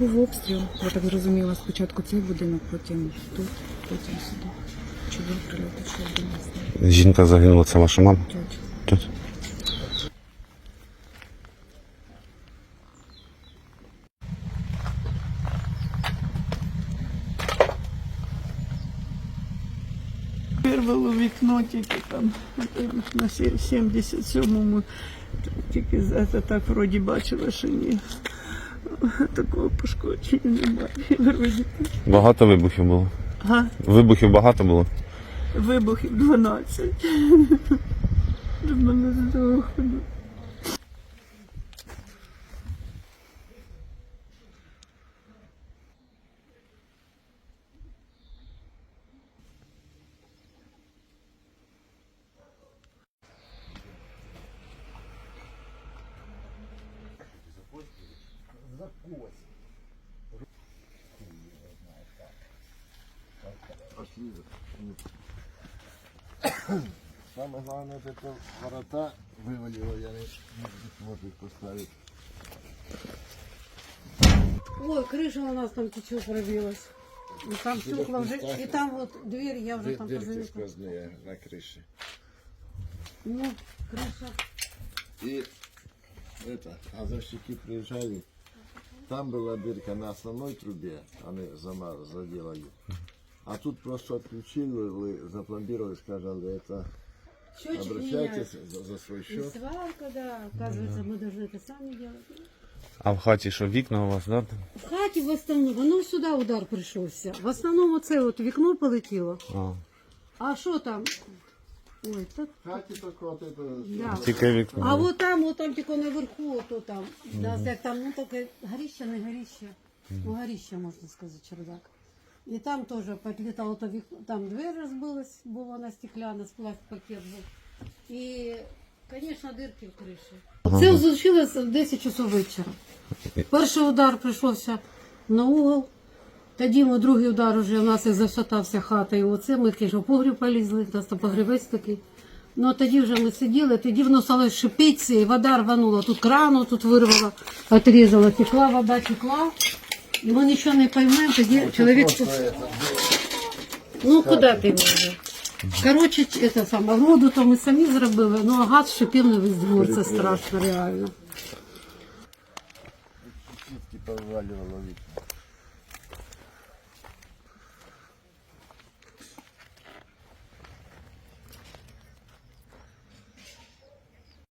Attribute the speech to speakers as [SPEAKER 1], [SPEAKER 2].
[SPEAKER 1] був обстріл. Я так зрозуміла, спочатку цей будинок, потім тут, потім сюди. Чи був прильот, чи один не знаю.
[SPEAKER 2] Жінка загинула, це ваша мама?
[SPEAKER 1] Тут.
[SPEAKER 2] Тут.
[SPEAKER 3] Вирвало вікно тільки там на 77-му, тільки це так вроді бачила, що ні. Такого пошкодження немає. Вроді.
[SPEAKER 2] Багато вибухів було?
[SPEAKER 3] Ага.
[SPEAKER 2] Вибухів багато було?
[SPEAKER 3] Вибухів 12. Щоб мене здохли.
[SPEAKER 4] Самое главное, вот это ворота вывалило, я не могу их поставить.
[SPEAKER 5] Ой, крыша у нас там чуть-чуть пробилась. И там стекла уже, и там вот дверь я уже там
[SPEAKER 4] Дырки
[SPEAKER 5] позаметила.
[SPEAKER 4] сквозные на крыше.
[SPEAKER 5] Ну, крыша.
[SPEAKER 4] И это, газовщики приезжали, там была дырка на основной трубе, они заделали. А тут просто отключили, запломбировали, сказали, это
[SPEAKER 5] Счетчик
[SPEAKER 4] обращайтесь
[SPEAKER 5] меняют.
[SPEAKER 4] за свой
[SPEAKER 5] И
[SPEAKER 4] счет.
[SPEAKER 5] сварка, да. Оказывается, мы должны это сами делать.
[SPEAKER 2] А в хаті що, вікна у вас, да?
[SPEAKER 5] В хаті в основному, ну сюди удар прийшовся. В основному це от вікно полетіло.
[SPEAKER 2] А.
[SPEAKER 5] А що там? Ой, так.
[SPEAKER 4] Хати только вот это.
[SPEAKER 5] Да.
[SPEAKER 2] Тільки вікна.
[SPEAKER 5] А от там тільки наверху, ото там. Да, як там, ну таке горіще, не горіще. Ну, горіще, можна сказати, чердак. І там теж підлітало то вікно, там двері розбилась, бо вона стекляна, сплав-пакет був. І, звісно, дирки в криші. Це случилось в 10 часов вечора. Перший удар прийшовся на угол, тоді другий удар вже у нас і зашатався хата, і оце ми в погріб полізли, у нас там погрібець такий. Ну, тоді вже ми сиділи, тоді воно стало шипіти, і вода рванула, тут крану тут вирвала, отрізала, текла, вода текла. І ми нічого не поймемо, тоді чоловік... Ну, куди ти вже? Коротше, це саме, воду то ми самі зробили, ну, а газ шипів на весь двор, це страшно, реально.
[SPEAKER 4] Сітки повивалювало вікна.